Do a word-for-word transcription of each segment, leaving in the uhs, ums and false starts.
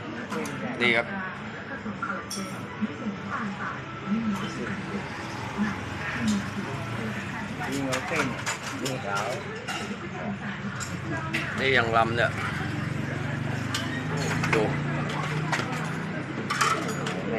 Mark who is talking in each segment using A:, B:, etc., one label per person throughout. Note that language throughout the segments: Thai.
A: นี่ครับ
B: ยิงเอาเส้นยิงขาว
A: นี่อย่างลำเนี่ยดู
B: แม่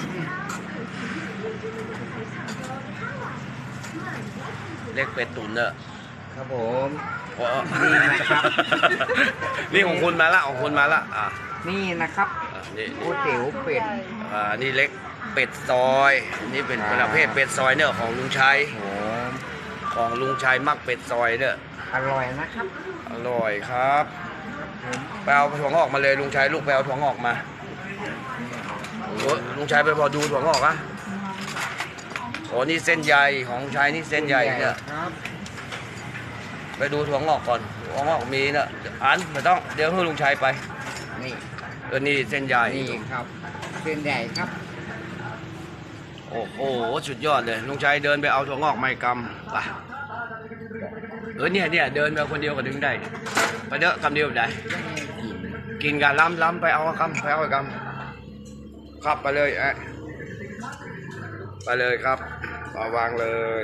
A: เล็กเป็ดตุ๋นเนี่ย
B: ครับผม
A: อ๋อ
B: นี่นะครับ
A: นี่ของคุณมาละของคุณมาละอ่ะ
B: นี่นะครับ
A: อ่ะนี่
B: ก๋วยเตี๋ยวเป็ด
A: อ่านี่เล็กเป็ดซอยนี่เป็นประเภทเป็ดซอยเนี่ยของลุงชัย
B: โอ้
A: ของลุงชัยมักเป็ดซอยเนี่ย
B: อร่อยนะครับ
A: อร่อยครับไปเอาถั่วงอกมาเลยลุงชัยลูกไปเอาถั่วงอกมาโอ้ลุงชัยไปพอดูถั่วงอกอะโอ้นี่เส้นใยของลุงชัยนี่เส้นใยเนี่ย
B: ครับ
A: ไปดูถั่วงอกก่อนถั่วงอกมีเนี่ยอันไม่ต้องเดี๋ยวให้ลุงชัยไป
B: นี่
A: เออนี่เส้นใย
B: นี่ครับเส้นใหญ่ครับ
A: โอ้โหสุดยอดเลยลุงชัยเดินไปเอาถั่วงอกไม้กำไปเออเนี่ยเนี่ยเดินไปคนเดียวก็ดึงได้ไปเด้อกำเดียวได้กินกันล้ำล้ำไปเอากำไปเอากำขับไปเลยไอ้ไปเลยครับเอาวางเลย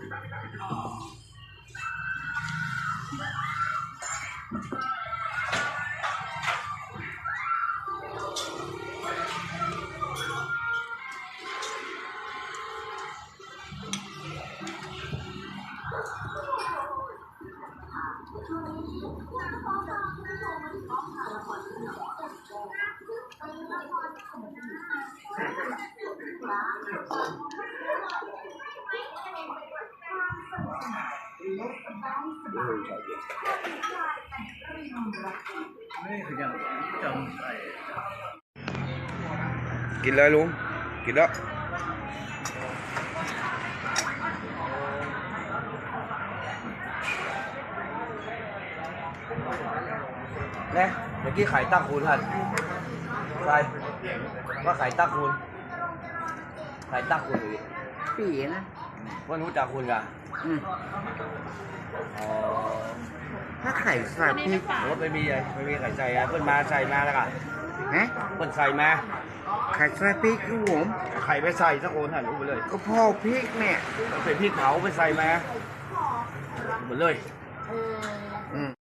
A: กินเลยลุงกินแล้วเนี่ยเมื่อกี้ไข่ตั้งคูณท่านใช่ว่าไข่ตั้งคูณไข่ตั้งคูณหรือ
B: ปีนะ
A: ว่ารู้จักคุณกัน
B: อืม
A: อ๋อ
B: ถ้าไข่ใส่พริก
A: รถไม่มีเลยไม่มีไข่ใส่อะเพิ่นมาใส่มาแล้วกัน
B: ฮะ
A: เพิ่นใส่มา
B: ไข่ใส่พริกครับผม
A: ไข่ไปใส่สักโอนหันรู้ไปเลย
B: ก็พ่อพริกเนี่ย
A: เป็นพริกเผาไปใส่มาหมดเลย
B: อืม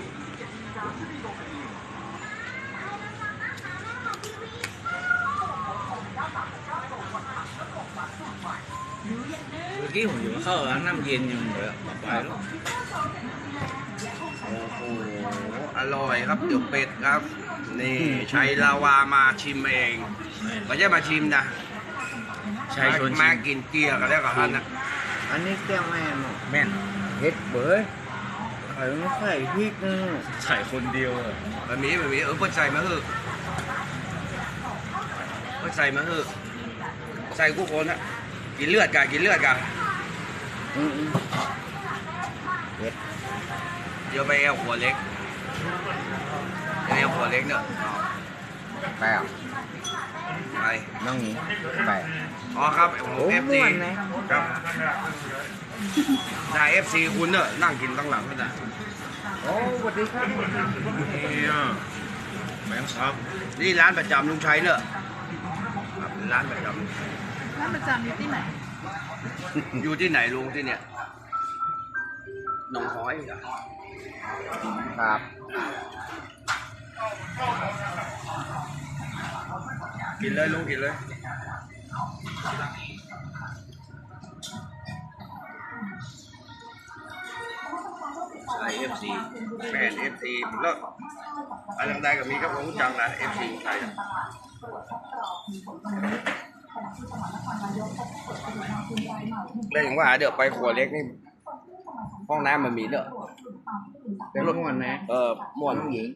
C: เมื่อกี้ผมอยู่เข้าร้านน้ำเย็นยังเหลือมาไปแล้ว
A: โอ้โหอร่อยครับเดี๋ยวเป็ดครับนี่ชัยลาวามาชิมเองไม่ใช่มาชิมนะ
C: ใช่ชวน
A: มา
C: ชิม
A: กินเกี๊ยวกันแล้วกับท่านนะ
B: อันนี้แก้วแม่หมด
C: แม่น
B: เฮ็ดเบยไข่ไม่ใส่พริกนะ
C: ใส่คนเดียวอะ
A: แบบนี้แบบนี้เออเพิ่นใส่มาเถอะเพิ่นใส่มาเถอะใส่กู้คนอะกินเลือดกะกินเลือดกะ
B: อืมอืมเฮ็ด
A: เดี๋ยวไปแอลหัวเล็กไปแอลหัวเล็กเนอะ
B: ไปอ่ะ
A: ไป
B: น้องหญิงไป
A: อ๋อครับผม
B: โอ้
A: เอฟ
B: ม่
A: ซี
B: วนนะ
A: ครับนายเอฟซีคุณเนอะนั่งกินตั้งหลังนั่นน่ะ
B: โอ้สวัสดีครับ
C: เนี่ยแบงค์ครับ
A: นี่ร้านประจำลุงชัยเนอะครับร้านประจ
D: ร้านประจำอยู่ที่ไหน
A: ำอยู่ที่ไหนลุงที่เนี่ยหนองห้อยเหรอ
B: ครับ
A: กินเลยลุงกินเลยใช่เอฟซีแฟนเอฟซีแล้วอะไรต่างๆก็มีกับผมจังนะเอฟซีไทยเลยอย่างว่าเดี๋ยวไปครัวเล็กนี่ห้องน้ำมันมีเนอะ
B: เป็นม่วนนะ
A: เออม่วน
B: น้องหญิง